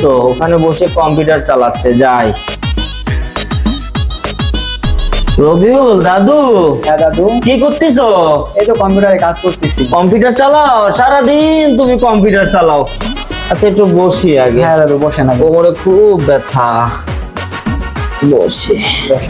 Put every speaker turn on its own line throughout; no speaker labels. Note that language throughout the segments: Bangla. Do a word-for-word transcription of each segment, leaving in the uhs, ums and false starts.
তো ওখানে বসে কম্পিউটার চালাচ্ছে, যাই। রবিউল দাদু।
হ্যাঁ দাদু।
কি করতেছো?
এই তো কম্পিউটারে কাজ করতেছি।
কম্পিউটার চালাও সারাদিন? তুমি কম্পিউটার চালাও? আচ্ছা একটু বসি আগে।
হ্যাঁ দাদু বসেন আগে।
কোমরে খুব ব্যথা, বসে।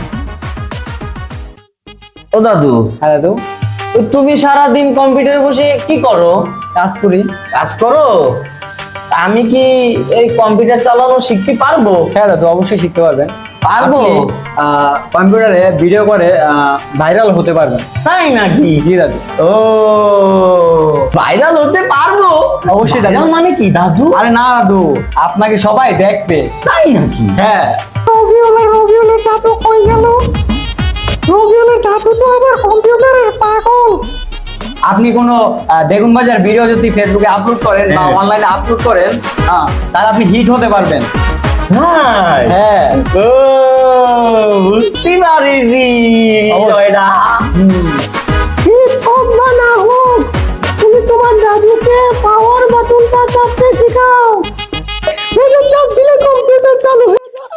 ও দাদু।
হ্যাঁ দাদু।
তো তুমি সারাদিন কম্পিউটারে বসে কি করো?
কাজ করি।
কাজ করো? আমি কি এই কম্পিউটার চালানো শিখতে পারবো?
হ্যাঁ দাদু অবশ্যই শিখতে পারবেন।
পারবো?
কম্পিউটারে ভিডিও করে ভাইরাল হতে পারবেন।
তাই নাকি?
জি দাদু।
ও ভাইরাল হতে পারবো?
অবশ্যই দাদু।
Viral মানে কি দাদু?
আরে না দাদু, আপনাকে সবাই দেখবে।
তাই নাকি?
হ্যাঁ।
রবিউলের রবিউলের দাদু কই গেল? রবিউলের দাদু তো আবার কম্পিউটারের পাগল।
আপনি কোনো আহ, বেগুন বাজার ভিডিও যদি ফেসবুকে আপলোড করেন বা
হ্যাঁ।
অনলাইনে আপলোড করেন, হ্যাঁ, তাহলে আপনি হিট হতে পারবেন।
হ্যাঁ।
হ্যাঁ।
ও বুঝতে পারিছি এটা।
হিট হোক বা না হোক, তুমি তোমার দাদুকে পাওয়ার বাটনটা চাপতে শেখাও। এটা চাপ দিলে কম্পিউটার চালু হয়ে যায়।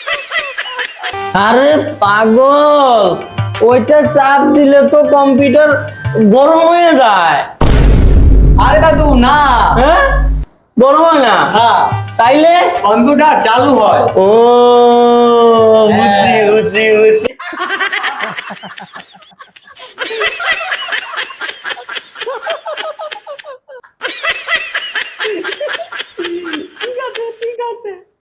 আরে পাগল, ওইটা চাপ দিলে তো কম্পিউটার গরম হয়ে যায়।
আরে দাদু না।
হ্যাঁ, গরম হয় না?
হ্যাঁ,
তাইলে
কম্পিউটার চালু হয়।
ও বুঝছি
হ্যাঁ।
বুঝছি বুঝছি